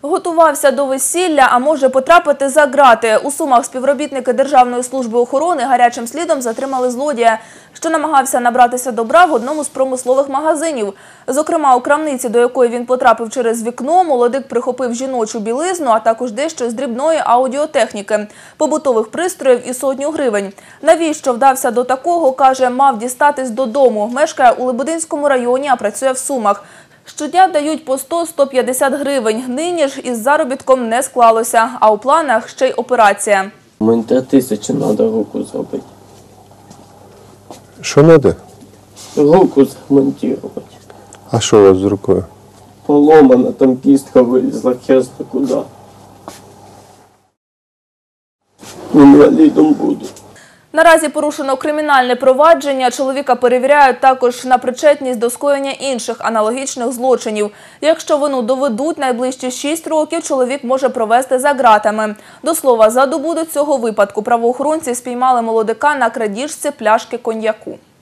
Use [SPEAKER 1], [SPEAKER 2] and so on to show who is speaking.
[SPEAKER 1] Готувався до весілля, а може потрапити за ґрати. У Сумах співробітники Державної служби охорони гарячим слідом затримали злодія, що намагався набратися добра в одному з промислових магазинів. Зокрема, у крамниці, до якої він потрапив через вікно, молодик прихопив жіночу білизну, а також дещо з дрібної аудіотехніки, побутових пристроїв і 100 гривень. Навіщо вдався до такого, каже, мав дістатись додому. Мешкає у Лебединському районі, а працює в Сумах. Щодня дають по 100-150 гривень. Нині ж із заробітком не склалося, а у планах ще й операція.
[SPEAKER 2] Мені 3000 треба руку зробити.
[SPEAKER 3] Що треба?
[SPEAKER 2] Руку змонтувати.
[SPEAKER 3] А що у вас з рукою?
[SPEAKER 2] Поломана, там кістка вилізла, хер зна куди. Інвалідом буду.
[SPEAKER 1] Наразі порушено кримінальне провадження. Чоловіка перевіряють також на причетність до скоєння інших аналогічних злочинів. Якщо вину доведуть, найближчі 6 років чоловік може провести за ґратами. До слова, за добу до цього випадку правоохоронці спіймали молодика на крадіжці пляшки коньяку.